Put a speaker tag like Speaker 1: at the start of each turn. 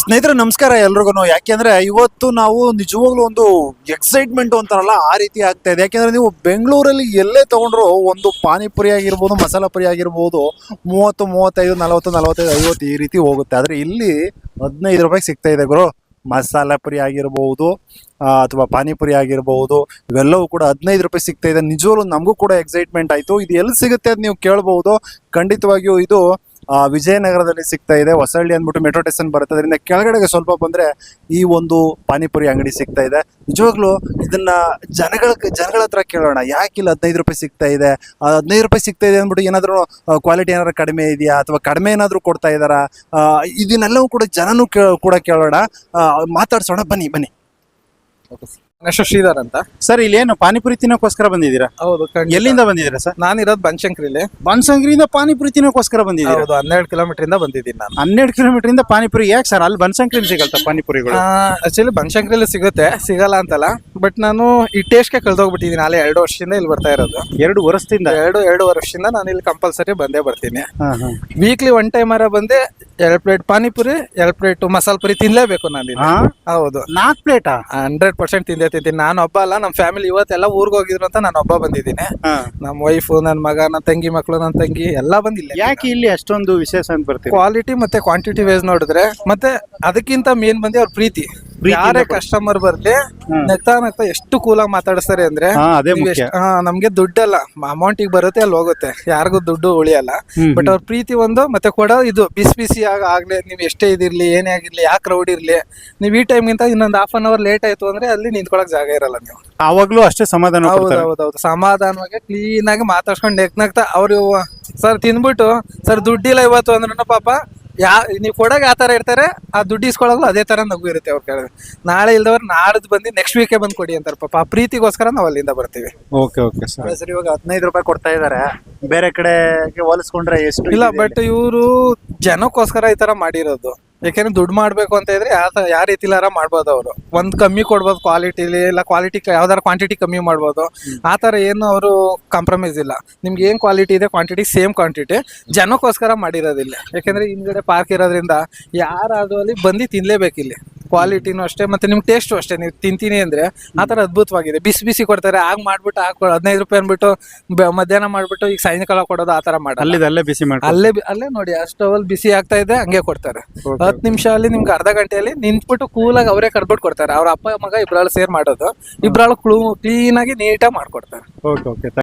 Speaker 1: ಸ್ನೇಹಿತರೆ ನಮಸ್ಕಾರ ಎಲ್ರಿಗೂ. ಯಾಕೆಂದ್ರೆ ಇವತ್ತು ನಾವು ನಿಜವಾಗ್ಲೂ ಒಂದು ಎಕ್ಸೈಟ್ಮೆಂಟ್ ಅಂತಾರಲ್ಲ ಆ ರೀತಿ ಆಗ್ತಾ ಇದೆ. ಯಾಕೆಂದ್ರೆ ನೀವು ಬೆಂಗಳೂರಲ್ಲಿ ಎಲ್ಲೇ ತಗೊಂಡ್ರು ಒಂದು ಪಾನಿಪುರಿ ಆಗಿರ್ಬೋದು, ಮಸಾಲ ಪುರಿ ಆಗಿರ್ಬೋದು 30, 35, 40, 45, 50 ಈ ರೀತಿ ಹೋಗುತ್ತೆ. ಆದ್ರೆ ಇಲ್ಲಿ 15 ರೂಪಾಯಿಗೆ ಸಿಗ್ತಾ ಇದೆ ಗುರು. ಮಸಾಲ ಪುರಿ ಆಗಿರ್ಬೋದು ಅಥವಾ ಪಾನಿಪುರಿ ಆಗಿರ್ಬೋದು, ಇವೆಲ್ಲವೂ ಕೂಡ 15 ರೂಪಾಯಿ ಸಿಗ್ತಾ ಇದೆ. ನಿಜವಾಗ್ಲೂ ನಮಗೂ ಕೂಡ ಎಕ್ಸೈಟ್ಮೆಂಟ್ ಆಯ್ತು. ಇದು ಎಲ್ಲಿ ಸಿಗುತ್ತೆ ಅಂತ ನೀವು ಕೇಳ್ಬಹುದು. ಖಂಡಿತವಾಗಿಯೂ ಇದು ವಿಜಯನಗರದಲ್ಲಿ ಸಿಗ್ತಾ ಇದೆ. ಹೊಸಳ್ಳಿ ಅಂದ್ಬಿಟ್ಟು ಮೆಟ್ರೋ ಸ್ಟೇಷನ್ ಬರುತ್ತೆ. ಅದರಿಂದ ಕೆಳಗಡೆಗೆ ಸ್ವಲ್ಪ ಬಂದ್ರೆ ಈ ಒಂದು ಪಾನಿಪುರಿ ಅಂಗಡಿ ಸಿಗ್ತಾ ಇದೆ. ನಿಜವಾಗ್ಲೂ ಇದನ್ನ ಜನಗಳ ಹತ್ರ ಕೇಳೋಣ, ಯಾಕಿಲ್ಲ 15 ರೂಪಾಯಿ ಸಿಗ್ತಾ ಇದೆ. 15 ರೂಪಾಯಿ ಸಿಗ್ತಾ ಇದೆ ಅಂದ್ಬಿಟ್ಟು ಏನಾದ್ರು ಕ್ವಾಲಿಟಿ ಏನಾದ್ರು ಕಡಿಮೆ ಇದೆಯಾ ಅಥವಾ ಕಡಿಮೆ ಏನಾದ್ರು ಕೊಡ್ತಾ ಇದಾರಾ, ಇದನ್ನೆಲ್ಲವೂ ಕೂಡ ಜನನು ಕೂಡ ಕೇಳೋಣ, ಮಾತಾಡ್ಸೋಣ. ಬನ್ನಿ.
Speaker 2: ನೆಕ್ಸ್ಟ್ ಶ್ರೀಧರ್ ಅಂತ
Speaker 1: ಸರ್, ಇಲ್ಲಿ ಏನು ಪಾನಿಪುರಿ ತಿನ್ನೋಕೋಸ್ಕರ ಬಂದಿದ್ದೀರಾ?
Speaker 2: ಹೌದು.
Speaker 1: ಎಲ್ಲಿಂದ ಬಂದಿದ್ದೀರಾ ಸರ್?
Speaker 2: ನಾನಿರೋದು ಬನಶಂಕರಿಲಿ.
Speaker 1: ಬನಶಂಕರಿಯಿಂದ ಪಾನಿಪುರಿ ತಿನ್ನೋಕೋಸ್ಕರ ಬಂದಿದ್ದೀರಾ?
Speaker 2: ಹೌದು, 12 ಕಿಲೋಮೀಟರ್ ಇಂದ ಬಂದಿದ್ದೀನಿ ನಾನು.
Speaker 1: 12 ಕಿಲೋಮೀಟರ್ ಇಂದ ಪಾನಿಪುರಿ ಯಾಕೆ ಸರ್? ಅಲ್ಲಿ ಬನಶಂಕರಿಲಿ ಸಿಗಲ್ತಾ ಪಾನಿಪುರಿಗಳು?
Speaker 2: ಆಕ್ಚುಲಿ ಬನಶಂಕರಿಲಿ ಸಿಗುತ್ತೆ, ಸಿಗಲ್ಲ ಅಂತಲ್ಲ. ಬಟ್ ನಾನು ಈ ಟೇಸ್ಟ್ಗೆ ಕಳ್ದೋಗ್ಬಿಟ್ಟಿದ್ದೀನಿ. ಅಲ್ಲೇ 2 ವರ್ಷದಿಂದ ಇಲ್ಲಿ ಬರ್ತಾ ಇರೋದು.
Speaker 1: 2 ವರ್ಷದಿಂದ?
Speaker 2: 2 ವರ್ಷದಿಂದ ನಾನು ಇಲ್ಲಿ ಕಂಪಲ್ಸರಿ ಬಂದೇ ಬರ್ತೀನಿ. ವೀಕ್ಲಿ 1 ಟೈಮ್ ಬಂದೆ 2 ಪ್ಲೇಟ್ ಪಾನಿಪುರಿ, 2 ಪ್ಲೇಟ್ ಮಸಾಲ ಪುರಿ ತಿನ್ಲೇಬೇಕು ನಾನು. ಹೌದು,
Speaker 1: 4 ಪ್ಲೇಟಾ?
Speaker 2: 100% ತಿಂತೀನಿ. ನಾನು ಒಬ್ಬ ಅಲ್ಲ, ನಮ್ಮ ಫ್ಯಾಮಿಲಿ ಇವತ್ತೆಲ್ಲ ಊರ್ಗ್ ಹೋಗಿದ್ರು ಅಂತ ನಾನು ಒಬ್ಬ ಬಂದಿದ್ದೀನಿ. ನಮ್ಮ ವೈಫ್, ನನ್ನ ಮಗ, ನನ್ನ ತಂಗಿ ಮಕ್ಕಳು, ನನ್ನ ತಂಗಿ ಎಲ್ಲ ಬಂದಿಲ್ಲ.
Speaker 1: ಯಾಕೆ ಇಲ್ಲಿ ಅಷ್ಟೊಂದು ವಿಶೇಷ ಅಂತ ಬರ್ತೀವಿ?
Speaker 2: ಕ್ವಾಲಿಟಿ ಮತ್ತೆ ಕ್ವಾಂಟಿಟಿ ವೈಸ್ ನೋಡಿದ್ರೆ, ಮತ್ತೆ ಅದಕ್ಕಿಂತ ಮೇನ್ ಬಂದು ಅವ್ರ ಪ್ರೀತಿ. ಯಾರೇ ಕಸ್ಟಮರ್ ಬರ್ಲಿ ನಗ್ತಾ ಎಷ್ಟು ಕೂಲಾಗಿ ಮಾತಾಡಿಸ್ತಾರೆ ಅಂದ್ರೆ, ನಮ್ಗೆ ದುಡ್ಡಲ್ಲ, ಅಮೌಂಟ್ ಈಗ ಬರುತ್ತೆ ಅಲ್ಲಿ ಹೋಗುತ್ತೆ, ಯಾರಿಗೂ ದುಡ್ಡು ಉಳಿಯಲ್ಲ. ಬಟ್ ಅವ್ರ ಪ್ರೀತಿ ಒಂದು, ಮತ್ತೆ ಕೊಡೋ ಇದು ಬಿಸಿ ಆಗ್ಲಿ, ನೀವ್ ಎಷ್ಟೇ ಇದಿರ್ಲಿ, ಏನೇ ಆಗಿರ್ಲಿ, ಯಾಕೆ ಕ್ರೌಡ್ ಇರ್ಲಿ, ನೀವ್ ಈ ಟೈಮ್ಗಿಂತ ಇನ್ನೊಂದು ½ ಅನ್ ಅವರ್ ಲೇಟ್ ಆಯ್ತು ಅಂದ್ರೆ ಅಲ್ಲಿ ನಿಂತ್ಕೊಳಕ್ ಜಾಗ ಇರಲ್ಲ. ನೀವು
Speaker 1: ಆವಾಗ್ಲೂ ಅಷ್ಟೇ ಸಮಾಧಾನ?
Speaker 2: ಹೌದೌದು, ಸಮಾಧಾನವಾಗಿ ಕ್ಲೀನ್ ಆಗಿ ಮಾತಾಡ್ಸ್ಕೊಂಡು ನಗ್ತಾ ಅವ್ರು ಸರ್ ತಿಂದ್ಬಿಟ್ಟು, ಸರ್ ದುಡ್ಡಿಲ್ಲ ಇವತ್ತು ಅಂದ್ರೂ ಪಾಪ ನೀವು ಕೊಡಾಗ ಯಾವ ತರ ಇರ್ತಾರೆ, ಆ ದುಡ್ಡು ಇಸ್ಕೊಳಗಲು ಅದೇ ತರ ನಗು ಇರುತ್ತೆ. ಅವ್ರು ಕೇಳಿದ್ರೆ ನಾಳೆ ಇಲ್ದವ್ರು ನಾಡ್ದು ಬಂದು ನೆಕ್ಸ್ಟ್ ವೀಕೆ ಬಂದು ಕೊಡಿ ಅಂತಾರೆ ಪಾಪ. ಆ ಪ್ರೀತಿಗೋಸ್ಕರ ನಾವು ಅಲ್ಲಿಂದ ಬರ್ತೀವಿ.
Speaker 1: ಓಕೆ ಸರ್, ಇವಾಗ 15 ರೂಪಾಯಿ ಕೊಡ್ತಾ ಇದಾರೆ. ಬೇರೆ ಕಡೆಗೆ ಹೋಲಿಸ್ಕೊಂಡ್ರೆ ಎಷ್ಟು? ಇಲ್ಲ,
Speaker 2: ಬಟ್ ಇವರು ಜನಕ್ಕೋಸ್ಕರ ಈ ತರ ಮಾಡಿರೋದು. ಯಾಕೆಂದ್ರೆ ದುಡ್ಡು ಮಾಡ್ಬೇಕು ಅಂತ ಇದ್ರೆ ಯಾವ ರೀತಿಲಾರ ಮಾಡ್ಬೋದು. ಅವರು ಒಂದ್ ಕಮ್ಮಿ ಕೊಡ್ಬೋದು ಕ್ವಾಲಿಟಿಲಿ, ಇಲ್ಲ ಕ್ವಾಲಿಟಿ ಯಾವ್ದಾರ ಕ್ವಾಂಟಿಟಿ ಕಮ್ಮಿ ಮಾಡ್ಬೋದು. ಆ ತರ ಏನು ಅವರು ಕಾಂಪ್ರಮೈಸ್ ಇಲ್ಲ. ನಿಮ್ಗೆ ಏನ್ ಕ್ವಾಲಿಟಿ ಇದೆ ಕ್ವಾಂಟಿಟಿ ಸೇಮ್ ಕ್ವಾಂಟಿಟಿ, ಜನಕ್ಕೋಸ್ಕರ ಮಾಡಿರೋದಿಲ್ಲ. ಯಾಕೆಂದ್ರೆ ಹಿಂದ್ಗಡೆ ಪಾರ್ಕ್ ಇರೋದ್ರಿಂದ ಯಾರಾದ್ರೂ ಅಲ್ಲಿ ಬಂದು ತಿನ್ಲೇಬೇಕು. ಇಲ್ಲಿ ಕ್ವಾಲಿಟಿನೂ ಅಷ್ಟೇ, ಮತ್ತೆ ನಿಮ್ಗೆ ಟೇಸ್ಟು ಅಷ್ಟೇ. ನೀವು ತಿಂತೀನಿ ಅಂದ್ರೆ ಆ ತರ ಅದ್ಭುತವಾಗಿದೆ. ಬಿಸಿ ಕೊಡ್ತಾರೆ. ಆಗ ಮಾಡ್ಬಿಟ್ಟು 15 ರೂಪಾಯಿ ಅನ್ಬಿಟ್ಟು ಮಧ್ಯಾಹ್ನ ಮಾಡ್ಬಿಟ್ಟು ಈಗ ಸಾಯಂಕಾಲ ಕೊಡೋದು ಆ ತರ ಮಾಡಿ
Speaker 1: ಅಲ್ಲೇ ಬಿಸಿ ಮಾಡಿ
Speaker 2: ಅಲ್ಲೇ ನೋಡಿ ಅಷ್ಟವಲ್ಲಿ ಬಿಸಿ ಆಗ್ತಾ ಇದೆ, ಹಂಗೆ ಕೊಡ್ತಾರೆ. 10 ನಿಮಿಷ ಅಲ್ಲಿ ನಿಮ್ಗೆ ಅರ್ಧ ಗಂಟೆಯಲ್ಲಿ ನಿಂತ್ಬಿಟ್ಟು ಕೂಲಾಗಿ ಅವರೇ ಕರ್ಬಿಟ್ಟು ಕೊಡ್ತಾರೆ. ಅವ್ರ ಅಪ್ಪ ಮಗ ಇಬ್ರಾಳು ಸೇರ್ ಮಾಡೋದು, ಇಬ್ರಾಳು ಕ್ಲೀನ್ ಆಗಿ ನೀಟಾಗಿ ಮಾಡ್ಕೊಡ್ತಾರೆ.
Speaker 1: ಓಕೆ.